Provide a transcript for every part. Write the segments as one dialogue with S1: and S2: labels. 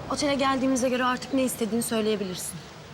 S1: Otele geldiğimize göre artık ne istediğini söyleyebilirsin.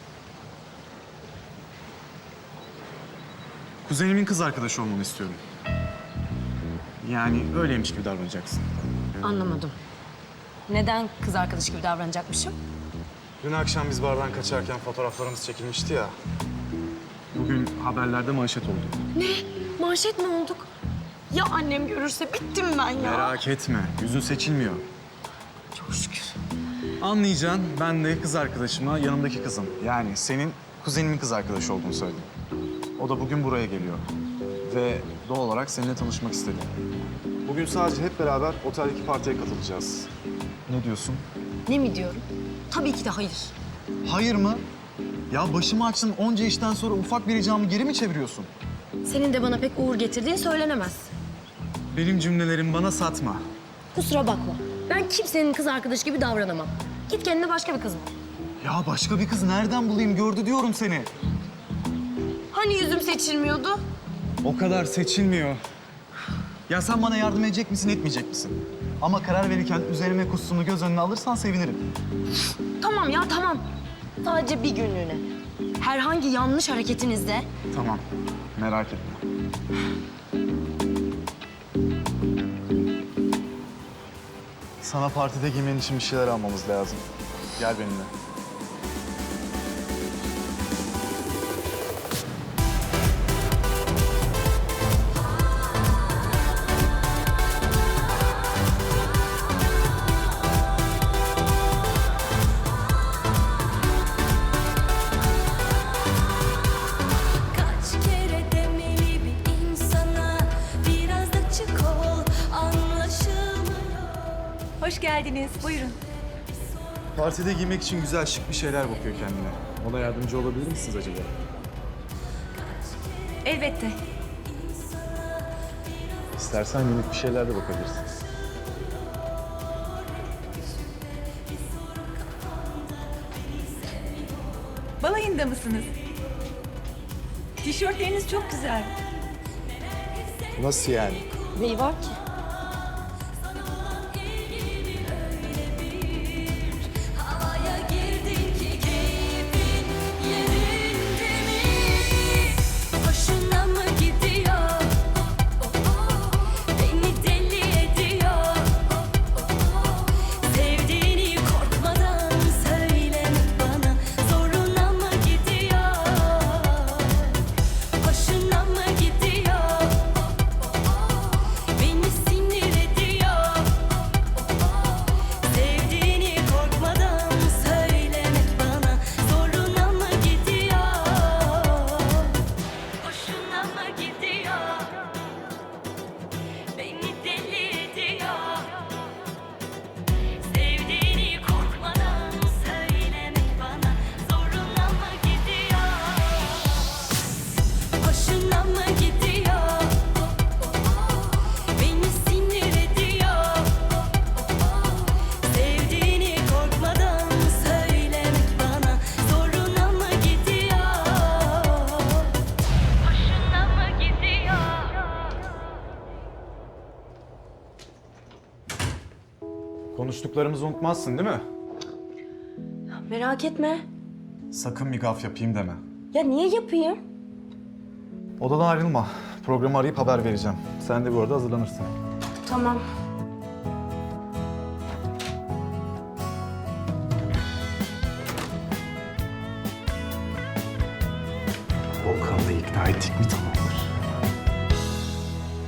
S2: Kuzenimin kız arkadaşı olmanı istiyorum. Yani öyleymiş gibi davranacaksın.
S1: Anlamadım. Neden kız arkadaş gibi davranacakmışım?
S2: Dün akşam biz bardan kaçarken fotoğraflarımız çekilmişti ya. Bugün haberlerde manşet oldu.
S1: Ne? Manşet mi olduk? Ya annem görürse bittim ben ya.
S2: Merak etme, yüzün seçilmiyor.
S1: Çok şükür.
S2: Anlayacaksın, ben de kız arkadaşıma yanımdaki kızım, yani senin kuzenimin kız arkadaşı olduğunu söyledim. O da bugün buraya geliyor. Ve doğal olarak seninle tanışmak istedi. Bugün sadece hep beraber oteldeki partiye katılacağız. Ne diyorsun?
S1: Ne mi diyorum? Tabii ki de hayır.
S2: Hayır mı? Ya başımı açtın onca işten sonra ufak bir ricamı geri mi çeviriyorsun?
S1: Senin de bana pek uğur getirdiğin söylenemez.
S2: Benim cümlelerimi bana satma.
S1: Kusura bakma. Ben kimsenin kız arkadaşı gibi davranamam. Git kendine başka bir kız bul.
S2: Ya başka bir kız nereden bulayım? Gördü diyorum seni.
S1: Hani yüzüm seçilmiyordu?
S2: O kadar seçilmiyor. Ya sen bana yardım edecek misin, etmeyecek misin? Ama karar verirken üzerime kusduğunu göz önüne alırsan sevinirim.
S1: Tamam ya tamam. Sadece bir günlüğüne. Herhangi yanlış hareketinizde
S2: Tamam, merak etme. Sana partide giymen için bir şeyler almamız lazım. Gel benimle.
S3: Kaç kere demeli bir insana biraz da çık ol anlaşılmıyor.
S4: Hoş geldiniz. Buyurun.
S2: Partide giymek için güzel şık bir şeyler bakıyor kendine. Ona yardımcı olabilir misiniz acaba?
S4: Elbette.
S2: İstersen minik bir şeyler de bakabilirsin.
S4: Balayında mısınız? Tişörtleriniz çok güzel.
S2: Nasıl yani?
S1: neyi var ki?
S3: Havaya girdin ki keyfin yerinde mi? Hoşuna mı gidiyor? Beni deli ediyor. Sevdiğini korkmadan söylemek bana zoruna mı gidiyor? Hoşuna mı gidiyor? Beni sinir ediyor. Sevdiğini korkmadan söylemek bana zoruna mı gidiyor? Hoşuna mı gidiyor? Beni deli ediyor. Sevdiğini korkmadan söylemek bana zoruna mı gidiyor? Hoşuna mı gidiyor? Beni sinir ediyor. Sevdiğini korkmadan söylemek bana zoruna mı gidiyor? Hoşuna mı gidiyor?
S2: Konuştuklarımızı unutmazsın değil mi?
S1: Merak etme.
S2: Sakın bir gaf yapayım deme.
S1: Ya niye yapayım?
S2: Odadan ayrılma. Programı arayıp haber vereceğim. Sen de bu arada hazırlanırsın.
S1: Tamam.
S2: Volkan'ı da ikna ettik mi tamamdır.